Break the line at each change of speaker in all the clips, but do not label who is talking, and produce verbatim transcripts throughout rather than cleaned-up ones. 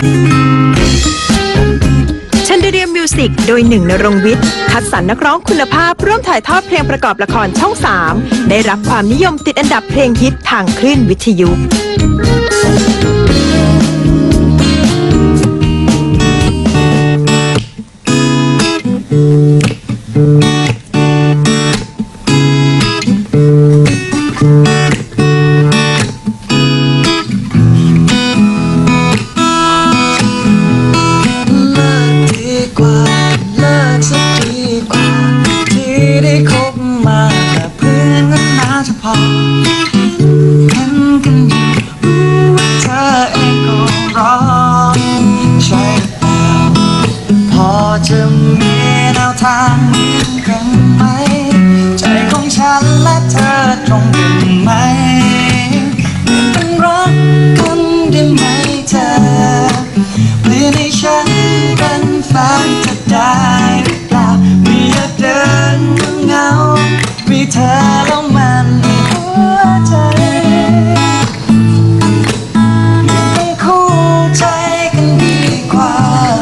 ชันเดเรียมมิวสิกโดยหนึ่งณรงค์วิทย์คัดสรรนักร้องคุณภาพร่วมถ่ายทอดเพลงประกอบละครช่องสามได้รับความนิยมติดอันดับเพลงฮิตทางคลื่นวิทยุ
จะมีแนวทางเหมือนกันไหมใจของฉันและเธอตรงกันไหมเป็นรักกันได้ไหมเธอเปลี่ยนให้ฉันเป็นแฟนเธอได้หรือเปล่าไม่อยากเดินเหงามีเธอแล้วมันหัวใจเป็นคู่ใจกันดีกว่า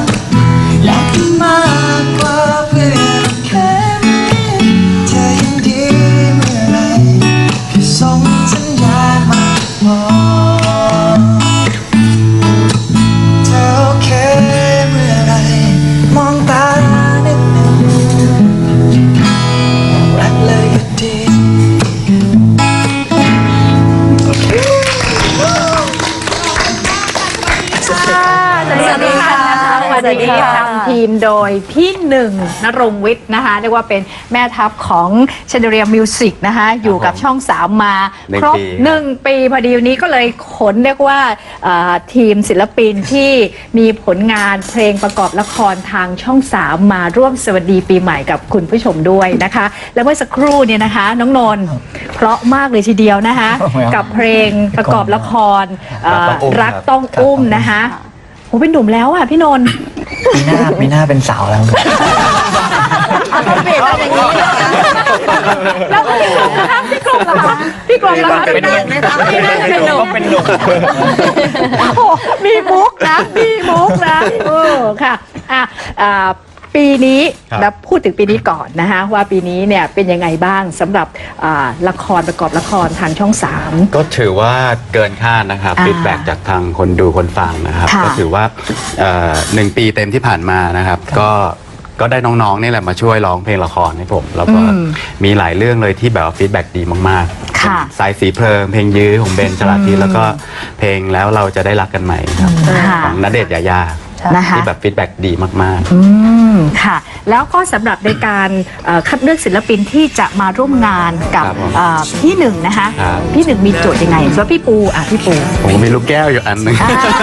สวัสดีค่ะนำทีมโดยพี่หนึ่งณรงค์วิทย์นะคะเรียกว่าเป็นแม่ทัพของชันเดเรียมมิวสิกนะคะอยู่กับช่องสามมาครบหนึ่งปีพอดีวันนี้ก็เลยขนเรียกว่าทีมศิลปินที่มีผลงานเพลงประกอบละครทางช่องสามมาร่วมสวัสดีปีใหม่กับคุณผู้ชมด้วยนะคะและเมื่อสักครู่เนี่ยนะคะน้องนนท์เพราะมากเลยทีเดียวนะคะกับเพลงประกอบละครรักต้องอุ้มนะคะโอ้เป็นหนุ่มแล้วอ่ะพี่นนท์
ปีหน้าปีหน้าเป็นสาวแล้ว
ต้องเปลี่ยนเป็นอย่างนี้แล้วพี่กรมนะคะพี่กรมเหรอคะพี่กรมเหรอคะเป็นหนุ่มพี่นั่นเป็นหนุ่มเป็นหนุ่มโอ้มีมุกนะมีมุกนะเออค่ะอ่ะอ่าปีนี้แล้วพูดถึงปีนี้ก่อนนะคะว่าปีนี้เนี่ยเป็นยังไงบ้างสำหรับละครประกอบละครทางช่องสาม
ก็ถือว่าเกินคาดนะครับฟีดแบ็กจากทางคนดูคนฟังนะครับก็ถือว่าหนึ่งปีเต็มที่ผ่านมานะครับก็ก็ได้น้องๆนี่แหละมาช่วยร้องเพลงละครให้ผมแล้วก็มีหลายเรื่องเลยที่แบบฟีดแบ็กดีมากๆสายสีเพลิงเพลงยื้อของเบนชลาทิศแล้วก็เพลงแล้วเราจะได้รักกันใหม่ครับของณเดชน์ยายาที่แบบฟีดแบ็กดีมากๆ
อืมค่ะแล้วก็สำหรับในการคัดเลือกศิลปินที่จะมาร่วมงานกับพี่หนึ่งนะคะพี่หนึ่งมีโจทย์ยังไงสำหรับพี่ปูอ่ะพี่ปู
ผมมีลูกแก้วอยู่อันนึง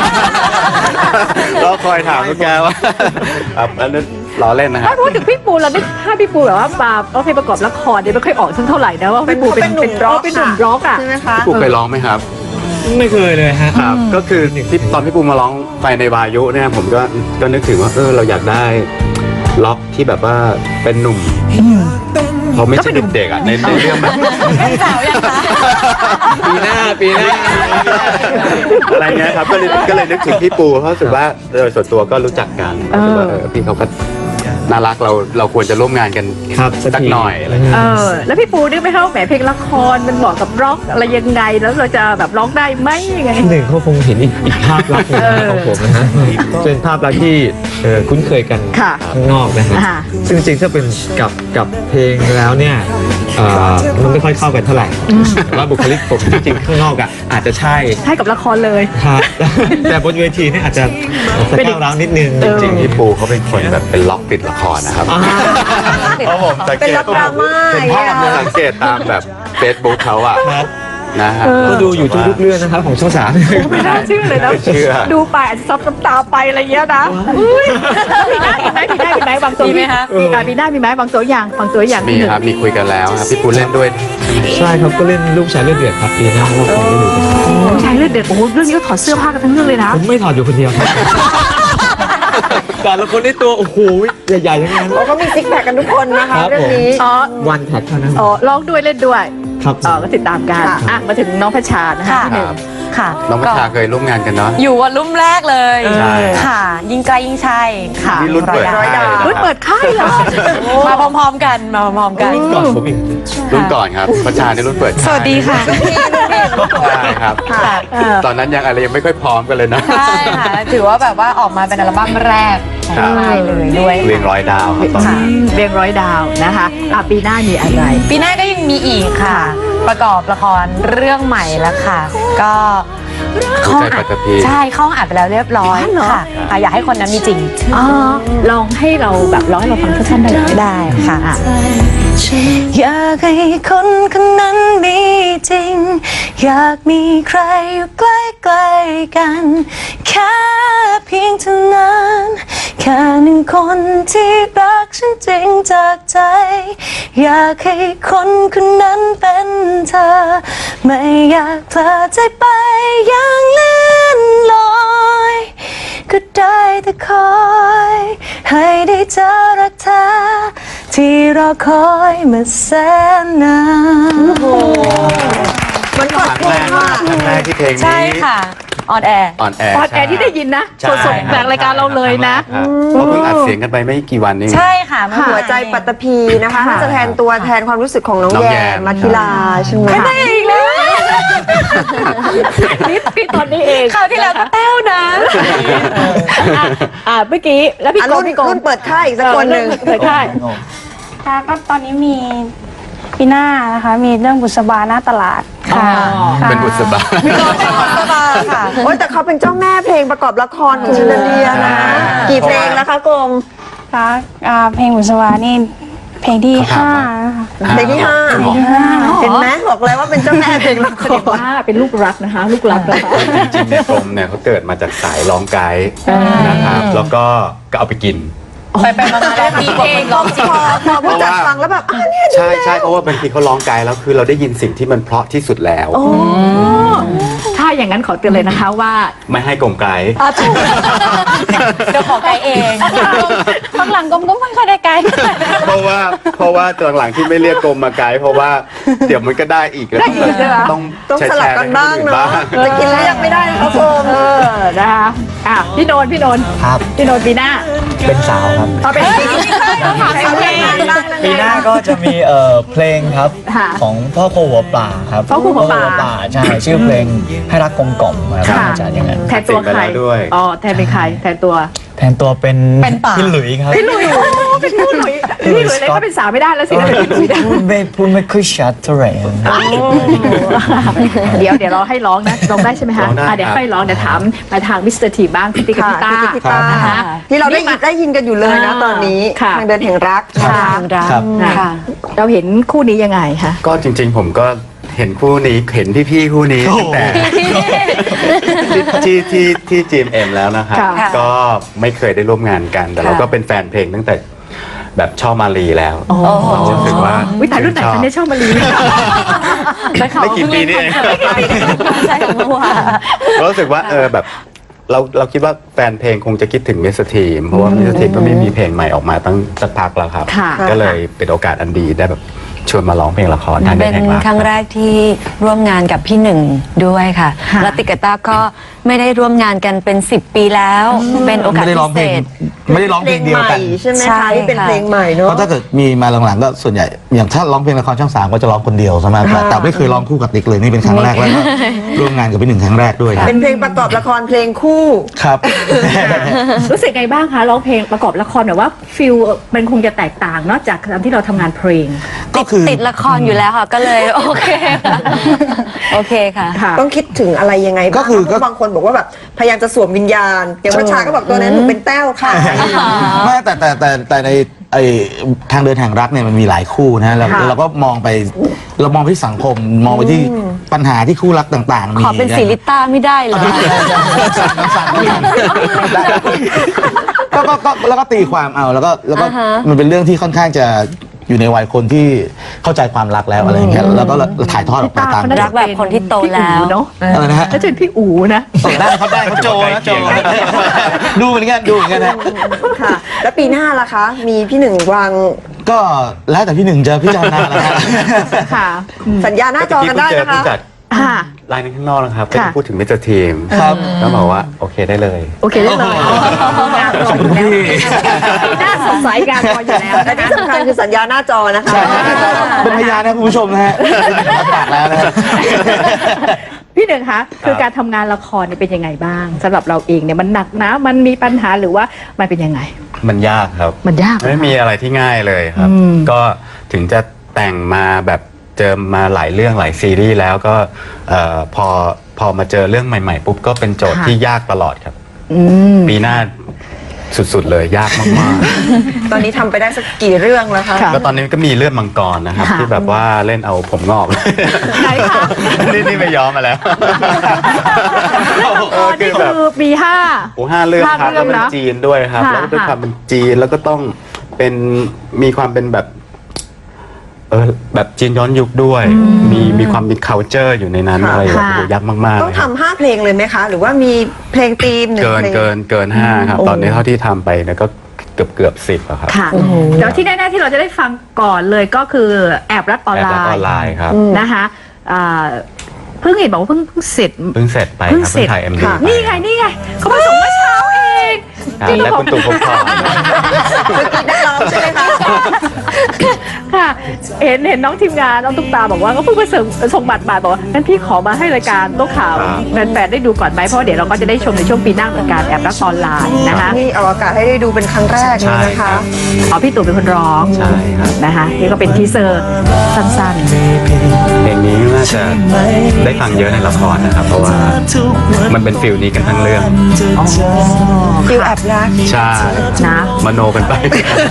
เราคอยถามลูกแก้วว่าอันนั้นล้อเล่นนะฮะ
ถ้าพูดถึงพี่ปูเราไม่ถ้าพี่ปูแบบว่ามาเอาเพลงประกอบละครเนี่ยไม่ค่อยออกสักเท่าไหร่นะว่าพี่ปูเป็นเป็นร็อกเป็นหนุ่มร็อกอ่ะ
ใช่ไหมคะพี่ปูเคยร้องไหมครับ
ไม่เคยเลยฮะ
ครับก็คือที่ตอนพี่ปูมาร้องไปในวายุเนี่ยผมก็ก็นึกถึงว่าเออเราอยากได้ล็อกที่แบบว่าเป็นหนุ่มเขาไม่ใช่เด็กๆอ่ะในเรื่องแบบ
สาวยังคะ
ปีหน้าปีหน้าอะไรเงี้ยครับก็เลยก็เลยนึกถึงพี่ปูเพราะรู้สึกว่าโดยส่วนตัวก็รู้จักกันรู้สึกว่าเออพี่เขาก็น่ารักเราเราควรจะร่วมงานกันสักหน่อยอะไรเอ
อแล้วพี่ปูนึกไหมคะแหมเพลงละครมันเหมาะกับร็อกอะไรยังไงแล้วเราจะแบบร้องได้ไหมยังไง
หนึ่งเขาคงเห็นอีกภาพลักษณ์ของผมนะฮะเป็นภาพลักษณ์ที่คุ้นเคยกันข้างนอกนะฮะซึ่งจริงๆถ้าเป็นกับกับเพลงแล้วเนี่ยมันไม่ค่อยเข้ากันเท่าไหร่แต่ว่าบุคลิกผมจริงๆข้างนอกอ่ะอาจจะใช่
ใช่กับละครเลย
ครับแต่บนเวทีนี่อาจจะจะก้าวร้าวนิดนึง
จริงๆพี่ปูเขาเป็นคนแบบเป็นล็อกติดละครนะครับเพราะผมสังเกตผมสังเกตตามแบบเฟซบุ๊กเขาอะนะฮะ
ก็ดูอยู่ทุกเรื่องนะครับของช่องสาม
ไม่น่าเชื่อเลยนะดูไปอาจจะซับน้ำตาไปอะไรเงี้ยนะมีหน้ามีไหมมีหน้ามีไหมบางตัวมีไหมคะมีหน้ามีไหมบางตัวอย่างบางตัวอย่าง
มีครับมีคุยกันแล้วครับพี่ปูเล่นด้วย
ใช่ครับก็เล่นลูกชายเลือดเดือดครับปีหน้าก็คงได้ดู
ลูกชายเลือดเดือดโอ้โหเรื่องนี้ก็ถอดเสื้อผ้ากันทั้งเรื่องเลยนะ
ผมไม่ถอดอยู่คนเดียวครับแต่ละคนในตัวโอ้โหใหญ่ๆทั้งนั้น
เขามีซิกแพคกันทุกคนนะคะเรื่องนี้
อ๋อ
วันแท็กเท่านั้น
อ๋อร้องด้วยเล่นด้วย
ครับ
อ๋อก็ติดตามกันอ่ะมาถึงน้องพัชชานะคะพี่หนึ่ง
ค่ะ
น้องพัชชาเคยร่วมงานกันเนาะ
อยู่วันรุ่มแรกเลย
ใช่
ค่ะ ยิ่งใกล้ยิ่งใช่ค่ะ
นี่รุ่นเปิด
ร้อย
ค่าย
ดาว
นะ
รุ่น
ครับ
เปิดค่ายเหรอ
มาพร้อมๆกันมาพร้อมๆกัน
รุ่นก่อนครับพัชชาในรุ่นเปิดค่าย
สวัสดีค่ะ
ใช่ครับ ตอนนั้นยังอะไรยังไม่ค่อยพร้อมกันเลยนะ
ใช่ค่ะ ถือว่าแบบว่าออกมาเป็นอัลบั้มแรกของค่ายเลยด้วย
เรียงร้อยดาวครับตอน
ค่ะ
นั้น
เรียงร้อยดาวนะคะอ่ะปีหน้ามีอะไร
ปีหน้าก็ยังมีอีกค่ะ ประกอบละครเรื่องใหม่แล้วค่ะ ก็
หัวใจปัตตภี
ใช่เข้าอัดไปแล้วเรียบร้อย
อ๋อเหรอ
ค่ะค่ะอยากให้คนนั้นมีจริง
อ๋อลองให้เราแบบร้องให้เราฟังสั้นๆได้ไหม
ได้ค่ะ
อ่ะ
อยากให้คนคนนั้นมีจริง อยากมีใครอยู่ใกล้ๆกัน แค่เพียงเท่านั้น แค่หนึ่งคนที่รักฉันจริงจากใจ อยากให้คนคนนั้นเป็นเธอ ไม่อยากเพลอใจไปอย่างเลื่อนลอย ก็ได้แต่คอย ให้ได้เจอรักแท้ที่รอคอยมาแสนนาน
มันกด
ครั้ง
เพล
แรก
งมาก
ครั้งแรกที่เพลงนี้
ใช่ค่ะ ออนแอร์
ออนแอร์
ออนแอร์ที่ได้ยินนะ
ใช่
สดๆจากรายการเราเลยนะ
ครับเพราะเพิ่งอัดเสียงกันไปไม่กี่วันนี้
ใช่ค่ะเมื่อ
หัว
วาน
ใจปัตตภีนะคะ
ค่ะ
น่าจะแทนตัวแทนความรู้สึกของน้อง
น้อง
แย
แย
ม
ม
มัทิลาใช่ไหม
ไม่ได้อีกแล้วนี่พี่ตอนนี้เอง
คราวที่แล้วก็แต้วนะ
อ่ะอ่ะเมื่อกี้แล้วพี่
อ่ะ
โก
รุ่น
พี่โก
รุ่นเปิดค่ายอีกสักคนหนึ่ง
เปิดค่าย
ค่ะก็ตอนนี้มีปีหน้านะคะมีเรื่องบุษบาหน้าตลาดค่ะ
อ๋อ
ค่ะ
เป็นบุษบา
สบายค่ะโอ้ยแต่เขาเป็นเจ้าแม่เพลงประกอบละครของชินเดียนะ กี่เพลงแล้วคะกรม
ค่ะอ่าเพลงบุษบานี่เพลงที่ห้านะคะ
เพลงที่ห้าเห็นไหมบอกเลยว่าเป็นเจ้าแม่เพลงละค
แสดง
ร
ว่าเป็นลูกรักนะคะ ลูกรักนะคะ
จริงๆเนี่ยกรมเนี่ยเขาเกิดมาจากสายร้องไกด์นะครับแล้วก็ก็เอาไปกิน
ไปไปมาๆแล้วมีเองร้องจริง
พอพอผู้จัดฟังแล้วแบบอ้าวเนี่ย
ใช่ใช่เพราะว่าบางทีเขาร้องไกด์แล้วคือเราได้ยินสิ่งที่มันเพราะที่สุดแล้ว
ถ้าอย่างนั้นขอเตือนเลยนะคะว่า
ไม่ให้กลมไกด์
อ่ะถูก
เดี๋ยวขอไกด์เองข้างหลังกลมก็ไม่ค่อยได้ไกด์
เพราะว่าเพราะว่าตอนหลังที่ไม่เรียกกรมมาไกด์เพราะว่าเดี๋ยวมันก็ได้อีกแล้ว
ได้อีกใช่ไหม
ต้อง
ต้อง
แชร์
สลับกันบ้าง
ให้ค
เนาะ
อื่
จะกินเรียกไม่ได้นะคะกรม
เออนะคะอ่ะพี่โนนพี่โนน
ครับ
พี่โนนปีหน้า
เป็นสาวครับ
เอาเป็นปี
ปีหน้าก็จะมีเอ่อเพลงครับ
ค่ะ
ของพ่อโคหัวป่าครับ
พ่อครูหัวป่า
ใช่ชื่อเพลงให้รักกลมกล่อมครับ
ค่ะ
อาจารย์อย่างนั้น
แทนตัวใคร
เสร็จไปแล้วด้วย
อ๋อแทนเป็นใครแทนตัว
แทนตัวเป็น
เป็นป่า
พี่หลุยส์ครับ
พี่หลุยโอ้เป็นพี่หลุยพี่หลุยเลยก็เป็นสาวไม่ได้แล้วสิถ้าเป็นพี่หลุยได้
พูดไม่พูดไม่ค่อยชัดเท่าไหร่ครับ
เดี๋ยวเดี๋ยวเราให้ร้องนะร้องได้ใช่ไหมคะ
ร้องได้
อ่ะเดี๋ยว
ครับ
ค่อยร้องเดี๋ยวถามมาทางมิสเตอร์ทีบ้างพี่ติ๊กกับ
ค่ะ
พี่ต้า
พี่ติ๊กพี่ต้า
นะคะ
ที่เราได้ยินได้ยินกันอยู่เลยนะตอนนี้
ค่ะ
ทางเดินแห่งรัก
ค่ะ
ครับ
ค่ะ เราเห็นคู่นี้ยังไงคะ
ก็จริงๆผมก็เห็นคู่นี้เห็นพี่ๆคู่นี้ตั้งแต่ที่ที่ที่จีเอ็มแล้วนะครับ
ค่ะ
ก็ไม่เคยได้ร่วมงานกัน แต่เราก็เป็นแฟนเพลงตั้งแต่แบบชอบมาลีแล้วรู้สึกว่า
วิตายรุ่นไหนคะเนี่ยชอบมาลี
ไม่กี่ปีนี่เอง
ใช่ของเมื่อวาน
ก็รู้สึกว่าเออแบบเราเราคิดว่าแฟนเพลงคงจะคิดถึงมิสทีมเพราะว่ามิสทีมก็ไม่มีเพลงใหม่ออกมาตั้งสักพักแล้วครับ
ค่ะ
ก็เลยเป็นโอกาสอันดีได้แบบชวนมาร้องเพลงละครทาง
เป็
เดิน
น
แห่งรัก
ครั้งแรกที่ร่วมงานกับพี่หนึ่งด้วยค่ะ
ค่ะ
แล้วติกกบต้าก็ไม่ได้ร่วมงานกันเป็นสิบปีแล้ว เป็นโอกาส
ไม่ได้ร้
พิ
อง
เศ
เพลง
ษ
ไม่ได้ร้อง
เพ
เพ
ล
ล
ง
งเดี
ให
ยว
ม่
กัน
ใช่ไหม
ใช่
คะนี่เป็น
ค่ะ
เพลงใหม่
เพ
เนาะ
ราะถ้าเกิดมีมาหลังๆก็ส่วนใหญ่อย่างถ้าร้องเพลงละครช่องสามก็จะร้องคนเดียวใช่ไหมแต่แต่ไม่เคยร้องคู่กับติ๊กเลยนี่เป็นครั้งแรกแล้วก็ร่วมงานกับพี่หนึ่งครั้งแรกด้วยครับ
เป็นเพลงประกอบละครเพลงคู่
ครับ
รู้สึกไงบ้างคะร้องเพลงประกอบละครแบบว่าฟิลมันคงจะแตกต่างนอกจากตอนที่เราทำงานเพลง
ก็คือ
ติดละครอยู่แล้วค่ะ ก็เลย โอเคค่ะโอเคค่ะ
ค่ะ
ต้องคิดถึงอะไรยังไงบ้าง
ก็คือ
เพราะบางคนบอกว่าแบบพยายามจะสวมวิญญาณ อย่างวัชชาก็บอกตัวนั้นหนูเป็นแต้วค่ะ
ไม่แต่แต่แต่แต่ในไอทางเดินแห่งรักเนี่ยมันมีหลายคู่นะเรา
ค่ะ
เราก็มองไปเรามองไปที่สังคมมองไปที่ปัญหาที่คู่รักต่างๆมี
ขอเป็นสีลิต้าไม่ได้เหรอ
ก็ก็ก็แล้วก็ตีความเอาแล้วก็แล้วก็
อ่าฮะ
มันเป็นเรื่องที่ค่อนข้างจะอยู่ในวัยคนที่เข้าใจความรักแล้วอะไรอย่างเงี้ยแล้วก็ถ่ายทอดออกไปตาม
รักแบบคนที่โตแล้ว
พี่อู๋เนาะ
อะไรนะฮะ
แล้วจะเป็นพี่อู๋นะ
ได้ครับได้ครับโจนะโจดูเหมือนกันดูเหมือนกันนะ
ค่ะ แล้วปีหน้าล่ะคะ มีพี่หนึ่งวาง
ก็แล้วแต่พี่หนึ่งจะพิจารณาแล้วฮะ
ค่ะ
สัญญาหน้าจอกันได้นะคะ
เพิ่งเจอผู้จัด
ค่ะ
ไลน์ในข้างนอกนะครับก็
ค่ะ
จะพูดถึงมิสเตอร์ทีม
ครับ
แล้วบอกว่าโอเคได้เลย
โอเคได้เลยงานรออยู่แล้วน่าสงสัยงานรออยู่แล้ว
และ
นะ
ที่
คะ
สำคัญคือสัญญาหน้าจอนะคะ
ใช่เป็นพยานนะคุณผู้ชมนะฮะปากแล้วนะฮะ
พี่หนึ่งคะคือการทำงานละครเนี่ยเป็นยังไงบ้างสำหรับเราเองเนี่ยมันหนักนะมันมีปัญหาหรือว่ามันเป็นยังไง
มันยากครับ
มันยาก
ไม่มีอะไรที่ง่ายเลยครับ
อืม
ก็ถึงจะแต่งมาแบบเจอมาหลายเรื่องหลายซีรีส์แล้วก็เอ่อพอพอมาเจอเรื่องใหม่ๆปุ๊บก็เป็นโจทย์ที่ยากตลอดครับ
อืม
ปีหน้าสุดๆเลยยากมาก
ตอนนี้ทำไปได้สักกี่เรื่องแล้วคะ
ค่ะ
ๆก็ตอนนี้ก็มีเลือดมังกรนะครับ
ค่ะ
ที่แบบว่าเล่นเอาผมงอก
ไหนคะ
นี่นี่ไปย้อมมาแล้ว
เออนี่คือปีห้า
โอ้ห้าเรื่อง
ห้า
ครับ
เรื่
แล้
อ
ว
ง
เป็น
นะ
จีนด้วยครับ
ค่ะ
แล้วก็ด้วย
ค่ะ
ความเป็นจีนแล้วก็ต้องเป็นมีความเป็นแบบเออแบบจีนย้อนยุคด้วย มีมีความมี culture อยู่ในนั้น
ค่ะ
อะไรแบบ
ค่ะ
โอ้โหยากมากๆ
ต้อง
เลยครับ
ทำห้าเพลงเลยไหมคะ หรือว่ามีเพลงธีมหนึ่ง
เกิน
เพลง
เกินเกินห้าครับ ตอนนี้เท่าที่ทำไปเนี่ยก็เกือบเกือบสิบอะครับ
ค่ะเดี๋ยวที่แน่ๆที่เราจะได้ฟังก่อนเลยก็คือแอบรักออน
แอบ
ไล
รักออน
น์
ไลน์ครับ
นะคะอ่าเพิ่งเห็นบอกว่าเพิ่งเพิ่งเสร็จ
เพิ่งเสร็จไป
เพิ่ง
ครับ
เสร็
เพิ่
จ
งถ่าย เอ็ม ดี
ค่ะ
ไป
นี่ไงนี่ไงเขามาส่งเมื่อเช้าเอง
ครับ
ที่
และ
บอ
คุ
ก
ณตู่ภพบ
ใช่ไหมคะ
ค่ะเห็นเห็นน้องทีมงานน้องตุ๊กตาบอกว่าก็เพิ่งมาส่งส่งบัตรมาบอกว่างั้นพี่ขอมาให้รายการโต๊ะข่าวแฟนๆได้ดูก่อนไหมเพราะเดี๋ยวเราก็จะได้ชมในช่วงปีหน้าเหมือนกันแอบรักออนไลน์นะคะ
นี่เอาอากาศให้ได้ดูเป็นครั้งแรกเลยนะคะ
อ๋อพี่ตู่เป็นคนร้อง
ใช่ครับ
นะคะนี่ก็เป็นทีเซอร์สั้น
เพลงนี้น่าจะได้ฟังเยอะในละครนะครับ เพราะว่ามันเป็นฟิลนี้กันทั้งเรื่อง
ฟิลแอบรัก
ใช่
ๆนะ
มโนกันไป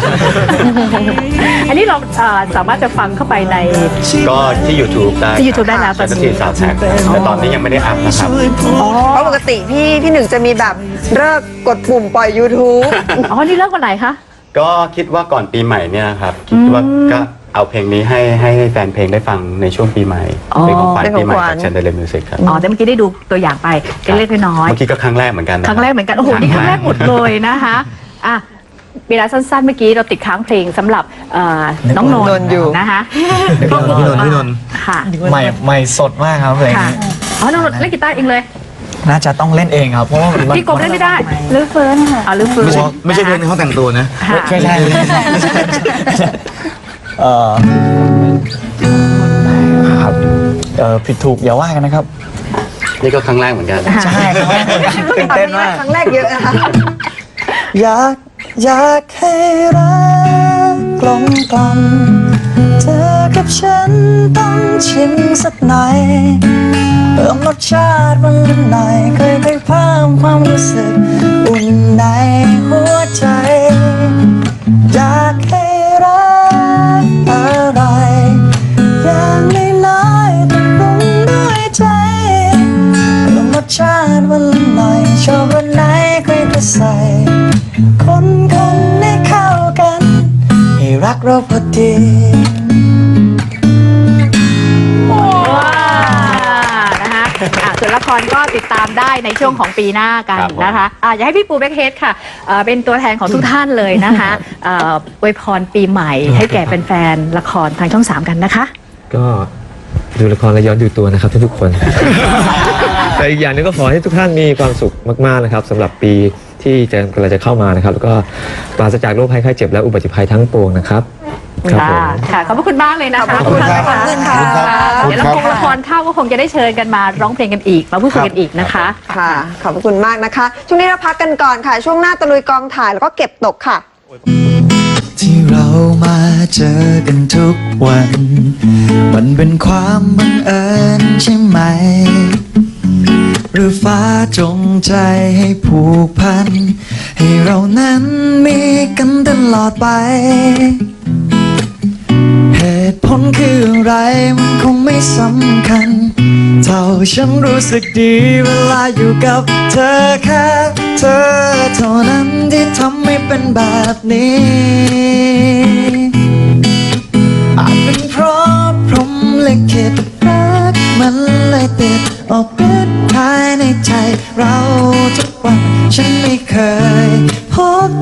อันนี้เราเอ่อสามารถจะฟังเข้าไปใน
ก็ที่ YouTube ได้
ที่ YouTube ได้แล้วตอนนี้
ที่สาวแท็กแต่ตอนนี้ยังไม่ได้อัพนะครับ
เพราะปกติพี่พี่หนึ่งจะมีแบบเลิกกดปุ่มปล่อย YouTube
อ๋อนี่เลิกวันไหนคะ
ก็คิดว่าก่อนปีใหม่เนี่ยนะครับ คิดว่าก็เอาเพลงนี้ให้ให้แฟนเพลงได้ฟังในช่วงปีใหม่
อ๋อ
เป็นของขวัญ
เป็นข
ปี
อง
ใหม่
ขวัญ
จาก Chandelier Music ครับ
อ๋อแต่เมื่อกี้ได้ดูตัวอย่างไปเล็กๆน้อย
เมื่อกี้ก็ครั้งแรกเหมือนกันนะ
ๆครั้งแรกเหมือนกันโอ้โหนี่ครั้งแรกหมดเลยนะคะอ่ะเวลาสั้นๆเมื่อกี้เราติดค้างเพลงสำหรับเอ่อน้องน
น
น
นท์
ท์
อยู่
นะคะ
พี่นนท์พี่นนท์พี่นนท์
ค่ะ
ใหม่ใหม่สดมากครับเพลง
ค่ะ
นี้
อ๋อน้องนนท์เล่นกีตาร์เองเลย
น่าจะต้องเล่นเองครับเพราะว่ามัน
พี่กบเล่นไม่ได้
หรือเฟิร์นค่ะ
อ๋อลืมฟื้น
ไม่ใช่ไม่ใช่เพลงในห้องแต่งตัวนะ
ค่ะ
ไม่ใช่ไม่ใช่ไม่ใช่เอ่อครับเอ่อผิดถูกอย่าว่ากันนะครับ
นี่ก็ครั้งแรกเหมือนกัน
ใช่ครั้งแรกเหมือนกันตื่นเต้นมาก
ครั้งแรกเยอะนะคะ
อยากอยากให้รักกลมกล่อมเธอกับฉันต้องชิมสักหน่อยเพิ่มรสชาติมันหน่อยเคยไปเพิ่มความรู้สึกอุ่นในหัวใจ อยากให้รักอะไรอย่างน้อยๆต้องปรุงด้วยใจเพิ่มรสชาติมันหน่อยชอบรสไหนค่อยจะใส่คนคนให้เข้ากันให้รักเราพอดี
ว้านะคะอ่ะส่วนละครก็ติดตามได้ในช่วงของปีหน้ากัน
ครับผม
นะคะอ่ะอยากให้พี่ปูแบ็คเฮดค่ะเอ่อเป็นตัวแทนของทุกท่านเลยนะคะเอ่ออวยพรปีใหม่ให้แก่แฟนๆละครทางช่องสามกันนะคะ
ก็ดูละครและย้อนดูตัวนะครับทุกๆคน แต่อีกอย่างหนึงก็ขอให้ทุกท่านมีความสุขมากๆนะครับสำหรับปีที่จะกำลังจะเข้ามานะครับ แล้วก็ปราศจากโรคภัยไข้เจ็บและอุบัติภัยทั้งปวงนะครับครับผม
ค่ะ ขอบพระคุณมากเลยนะคะ
ขอบคุณครับ
ขอบคุณค่ะ
ขอบคุณครับ
เดี๋ยวละครละครเข้าก็คงจะได้เชิญกันมาร้องเพลงกันอีก มาพูดคุยกันอีกนะคะ
ค่ะ ขอบพระคุณมากนะคะ ช่วงนี้เราพักกันก่อนค่ะ ช่วงหน้าตะลุยกองถ่ายแล้วก็เก็บตกค่ะ
ที่เรามาเจอกันทุกวัน มันเป็นความบังเอิญใช่ไหม หรือฟ้าจงใจให้ผูกพัน ให้เรานั้นมีกันตลอดไป เหตุผลคืออะไรมันคงไม่สำคัญ เท่าฉันรู้สึกดีเวลาอยู่กับเธอแค่เธอเท่านั้นที่ทำให้เป็นแบบนี้